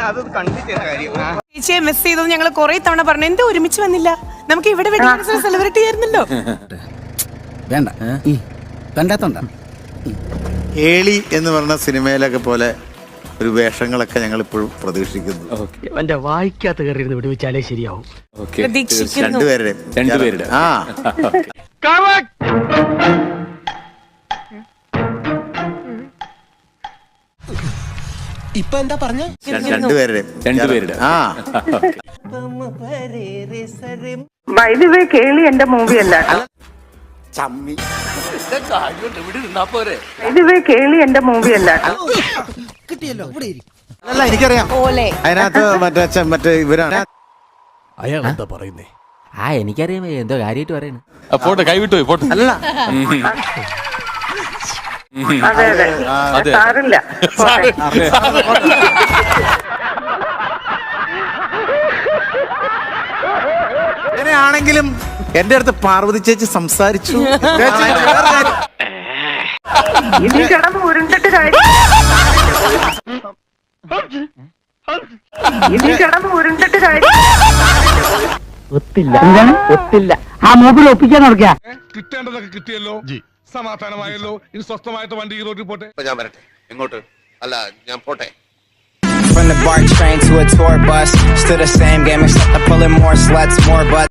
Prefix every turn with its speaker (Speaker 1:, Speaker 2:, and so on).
Speaker 1: അത് കണ്ടിട്ട് കാര്യം.
Speaker 2: ചേച്ചിയെ മിസ് ചെയ്തത് ഞങ്ങൾ കുറെ തവണ പറഞ്ഞു. എന്താ ഒരുമിച്ച് വന്നില്ല? നമുക്ക് ഇവിടെ സെലിബ്രേറ്റ് ചെയ്യായിരുന്നല്ലോ.
Speaker 3: വേണ്ട കണ്ടാത്തോണ്ട.
Speaker 4: ഏളി എന്ന് പറഞ്ഞ സിനിമയിലൊക്കെ പോലെ ഒരു വേഷങ്ങളൊക്കെ ഞങ്ങൾ ഇപ്പോഴും പ്രതീക്ഷിക്കുന്നു.
Speaker 5: എന്റെ വായിക്കാത്ത കയറിയിരുന്ന് വിടുവിച്ചാലേ ശരിയാവും.
Speaker 2: പ്രതീക്ഷിക്കുന്നു.
Speaker 4: രണ്ടുപേരുടെ ആ
Speaker 5: ഇപ്പൊ എന്താ പറഞ്ഞ?
Speaker 4: രണ്ടുപേരുടെ ആ
Speaker 6: വൈദ്യുവേ കേളി എന്റെ മൂവി അല്ല. വൈദ്യുവേ കേളി എന്റെ മൂവി അല്ല.
Speaker 3: കിട്ടിയല്ലോ ഇവിടെ ഇരി.
Speaker 4: അല്ല എനിക്കറിയാം
Speaker 2: പോലെ
Speaker 4: അതിനകത്ത് മറ്റേ ഇവരാണ്.
Speaker 5: അയാൾ എന്താ പറയുന്നേ?
Speaker 7: എനിക്കറിയാം എന്തോ കാര്യമായിട്ട് പറയണ.
Speaker 8: പോട്ടെ, കൈവിട്ടു പോട്ടെ.
Speaker 4: അല്ല
Speaker 6: അതെ അതെ സാറില്ല.
Speaker 4: അങ്ങനെയാണെങ്കിലും എന്റെ അടുത്ത് പാർവതി ചേച്ചി സംസാരിച്ചു.
Speaker 6: ഇനി കിടന്ന് ഉരുണ്ടിട്ട് കാര്യം. ഇനി കിടന്ന് ഉരുണ്ടിട്ട് കാര്യം.
Speaker 5: ഒത്തില്ല ഒത്തില്ല. ആ മൂക്കിൽ ഒപ്പിക്കാൻ നടക്കുക.
Speaker 8: കിട്ടേണ്ടതൊക്കെ കിട്ടിയല്ലോ, സമാധാനമായല്ലോ. ഇനി സ്വസ്ഥമായിട്ട് വണ്ടി ഈ റോഡിൽ പോട്ടെ.
Speaker 1: ഞാൻ വരട്ടെ. എങ്ങോട്ട്? അല്ല, ഞാൻ പോട്ടെ.
Speaker 9: From the BART train to a tour bus, still the same game except I'm pulling more sluts, more butts.